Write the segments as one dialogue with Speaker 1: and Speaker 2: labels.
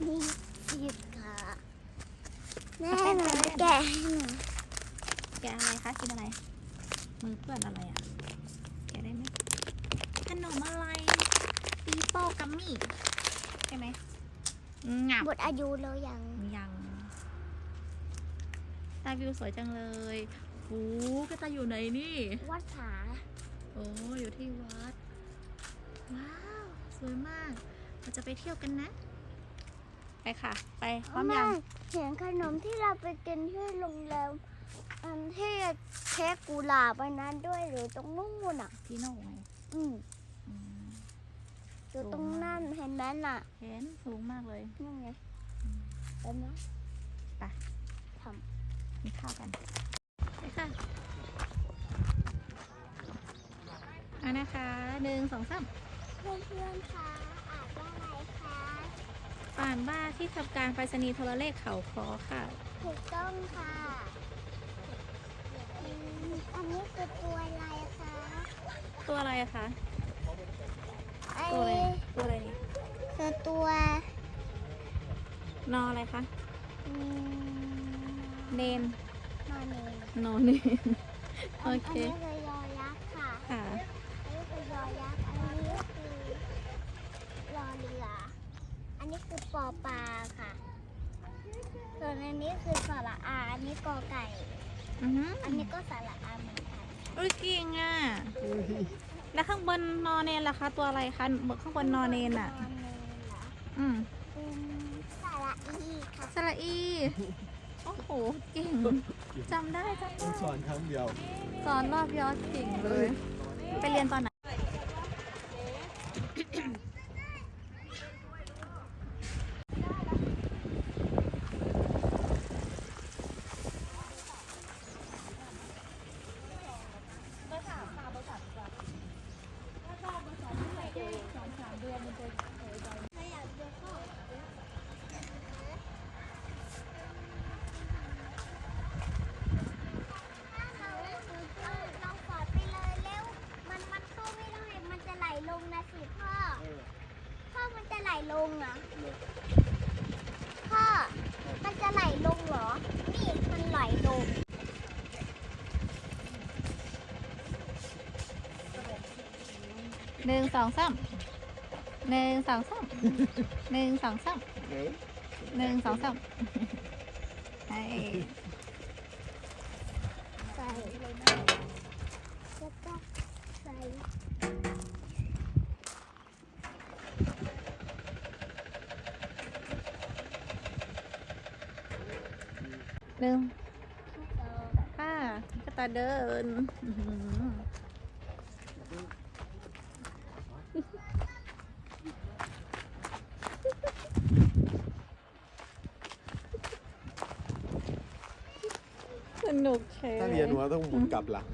Speaker 1: มีสิบค่ะแม่หนูแกะให้หนู
Speaker 2: แกะอะไรคะกินอะไรมือเปื้อนอะไรอ่ะแกะได้ไหมขนมอะไรปีโป้กัมมี่ใช่ไหมงับ
Speaker 1: หมดอายุแล้วยัง
Speaker 2: ยังตาวิวสวยจังเลยโอ้ก็ตาอยู่ไหนนี่
Speaker 1: วัดผา
Speaker 2: โอ้อยู่ที่วัดว้าวสวยมากเราจะไปเที่ยวกันนะไปค่ะไปพร้อมยัง
Speaker 1: เห็นขนมที่เราไปกินที่โรงแรมอันที่เค้กกุหลาบอันนั้นด้วยหรือตรงนู้นอ่ะ
Speaker 2: พี่โน่ไง
Speaker 1: อืม
Speaker 2: อืม
Speaker 1: อยู่ตรงนั้นเห็นไหมน่ะ
Speaker 2: เห็นสูงมากเลย
Speaker 1: นั่นไงเป็นไหม
Speaker 2: ไป
Speaker 1: ท
Speaker 2: กินข้าวกันไปค่ะเอานะคะ1 2 3
Speaker 1: ำเพื่อนๆคะอ่านว่าอะไรคะ
Speaker 2: ป่านบ้าที่ทำการไปรษณีย์โทรเลขเขาคอค่ะ
Speaker 1: ถูกต้องค่ะอันนี้คือตัวอะไรคะ
Speaker 2: ตัวอะไรอะคะ
Speaker 1: ไอ้
Speaker 2: ตัวอะไรนี่
Speaker 1: คือตัวน
Speaker 2: ออะไรคะ
Speaker 1: อืม
Speaker 2: เนน
Speaker 1: นอนเนน
Speaker 2: นอเนนโอเค
Speaker 1: อันนี้คือยอยักษ์ค่ะ
Speaker 2: ค่ะ
Speaker 1: อันนี้คือยอยักษ์ อันนี้คือรอเรือ อันนี้คือปอปลาค่ะ ส่วนอันนี้คือสระอา อันนี้กอไก่ อันนี้ก็สระอาเหมือนกัน
Speaker 2: อุ้ยเก่งอ่ะ แล้วข้างบนนอเนนล่ะคะ ตัวอะไรคะข้างบนนอเนนอ่ะ
Speaker 1: นอนเนนเหรอ
Speaker 2: อืม
Speaker 1: เป็นสระอีค่ะ
Speaker 2: สระอี โอ้โห เก่ง จำได้
Speaker 3: สอนครั้งเดียว
Speaker 2: สอนรอบยอดเก่งเลย ไปเรียนตอนไหน
Speaker 1: เราขอไปเลยเร็ว มันเข้าไม่ได้ มันจะไหลลงนะสิพ่อ พ่อมันจะไหลลงเหรอ พ่อ มันจะไหลลงเหรอ นี่มันไหลลง
Speaker 2: 1 2 3 1 2 3 1 2 3 1 2 3ให้
Speaker 1: ใส่แล้วก็ใส่
Speaker 2: 1ค่ะก็ตาเดินอื้อหือสนุกเชย
Speaker 3: ถ้าเรียนหัวต้องหมุนกลับหลัง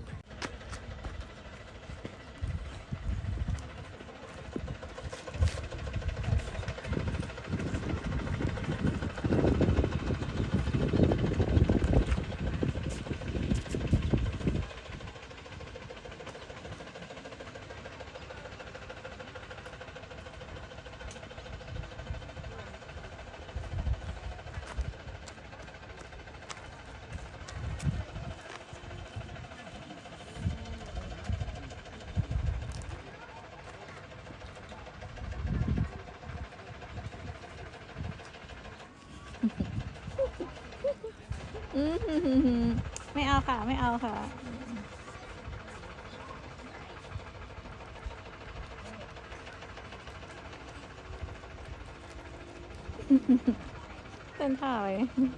Speaker 2: อื้อหือไม่เอาค่ะ ไม่เอาค่ะ เต้นท่าเลย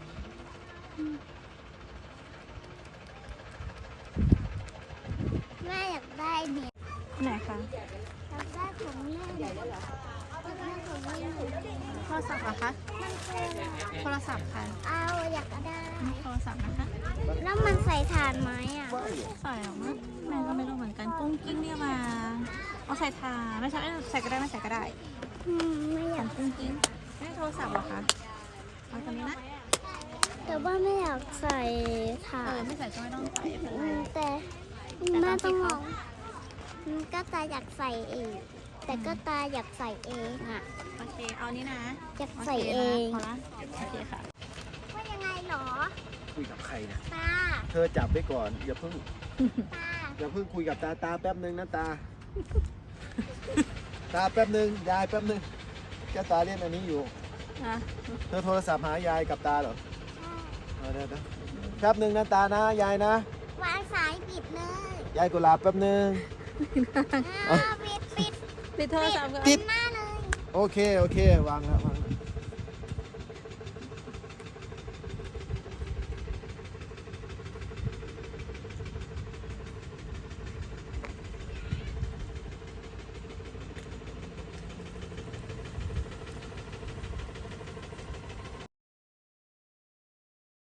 Speaker 1: แม่อยากได้เนี่ย
Speaker 2: ไหนคะ
Speaker 1: อยากได้ของเล่นอยากได้ของเล่น
Speaker 2: โทรศัพท์เหรอคะ
Speaker 1: มันคืออะไร
Speaker 2: โทรศัพท์ค่ะ
Speaker 1: เอาอยากได้
Speaker 2: โทรศัพท์นะคะ
Speaker 1: แล้วมันใส่ถ่านไหมอ่ะ
Speaker 2: ใส่หรอมั้งแม่ก็ไม่รู้เหมือนกันกุ้งกิ้งเนี่ยมาเอาใส่ทาไม่ใช่ใส่ก็ได้ไม่ใส่ก็ได้
Speaker 1: ไม่อยาก
Speaker 2: กุ้งกิ้งไม่โทรศัพท์เหรอคะเอาตัวนี้นะ
Speaker 1: แต่ว่าไม่อยากใส่ถ่า
Speaker 2: เออน ไม่ใส่ก็ไม่ต้องใส่ไม่เป็นไร
Speaker 1: แต่แม่ต้องลองก็จะอยากใส่เอง
Speaker 2: อ
Speaker 1: แต่ก็ตาอยากใส่เองอ่ะ
Speaker 2: โอเค เอานี่นะ
Speaker 1: อยาก
Speaker 2: โอ
Speaker 1: ใส่
Speaker 2: เค
Speaker 1: เอ
Speaker 2: นะ
Speaker 1: ง
Speaker 2: พอละโอเคค่ะ
Speaker 1: ว่ายังไงหรอ
Speaker 3: คุยกับใครนะ
Speaker 1: ตา
Speaker 3: เธอจับไว้ก่อน อย่าเพิ่ง
Speaker 1: ตา
Speaker 3: อย่าเพิ่งคุยกับตาแป๊บนึงนะตา ตาแป๊บนึงยายแป๊บนึงแกตาเล่นอันนี้อยู่
Speaker 2: อ่ะ
Speaker 3: เธอโทรศัพท์หายายกับตาเหรอเดี๋ยวแป๊บนึงนะตานะยายนะ
Speaker 1: วางสายปิดเลย
Speaker 3: ยายกุหลาบแป๊บนึง
Speaker 1: ปิด
Speaker 2: ปิดโทรศัพท์ก่อน
Speaker 3: ติด
Speaker 1: หน้าเลย
Speaker 3: โอเค วางแล้ว